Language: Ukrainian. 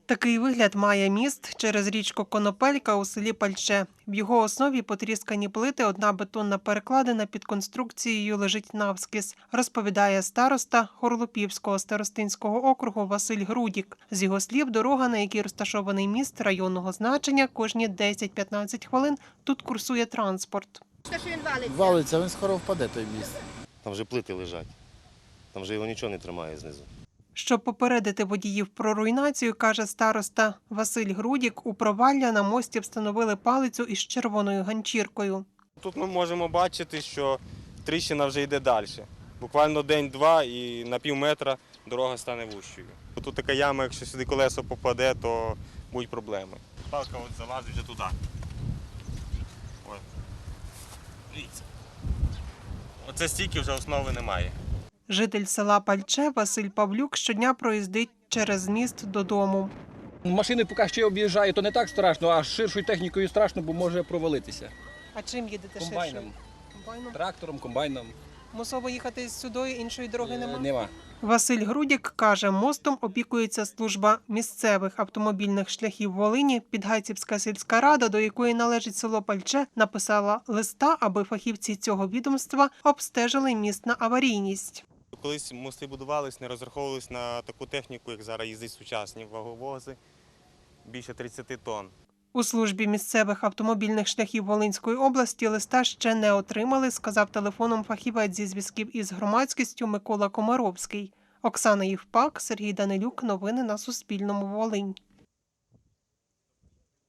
Такий вигляд має міст через річку Конопелька у селі Пальче. В його основі потріскані плити, одна бетонна перекладина під конструкцією лежить навскіз, розповідає староста Хорлопівського старостинського округу Василь Грудік. З його слів, дорога, на якій розташований міст районного значення, кожні 10-15 хвилин тут курсує транспорт. Що він валиться? Валиться, він скоро впаде, той міст. Там вже плити лежать, там вже його нічого не тримає знизу. Щоб попередити водіїв про руйнацію, каже староста Василь Грудік, у провалля на мості встановили палицю із червоною ганчіркою. Тут ми можемо бачити, що тріщина вже йде далі. Буквально день-два і на пів метра дорога стане вущою. Тут така яма, якщо сюди колесо попаде, то будуть проблеми. Палка от залазить вже туди. Ой. Дивіться. Оце стільки вже основи немає. Житель села Пальче Василь Павлюк щодня проїздить через міст додому. Машини поки ще об'їжджають, то не так страшно, а з ширшою технікою страшно, бо може провалитися. А чим їдете Комбайном, Комбайном? трактором, комбайном. Мусово їхати сюди, іншої дороги нема? Нема. Василь Грудік каже, мостом опікується служба місцевих автомобільних шляхів Волині. Підгайцівська сільська рада, до якої належить село Пальче, написала листа, аби фахівці цього відомства обстежили міст на аварійність. Колись мости будувались, не розраховувались на таку техніку, як зараз їздять сучасні ваговози, більше 30 тонн. У службі місцевих автомобільних шляхів Волинської області листа ще не отримали, сказав телефоном фахівець зі зв'язків із громадськістю Микола Комаровський. Оксана Євпак, Сергій Данилюк. Новини на Суспільному. Волинь.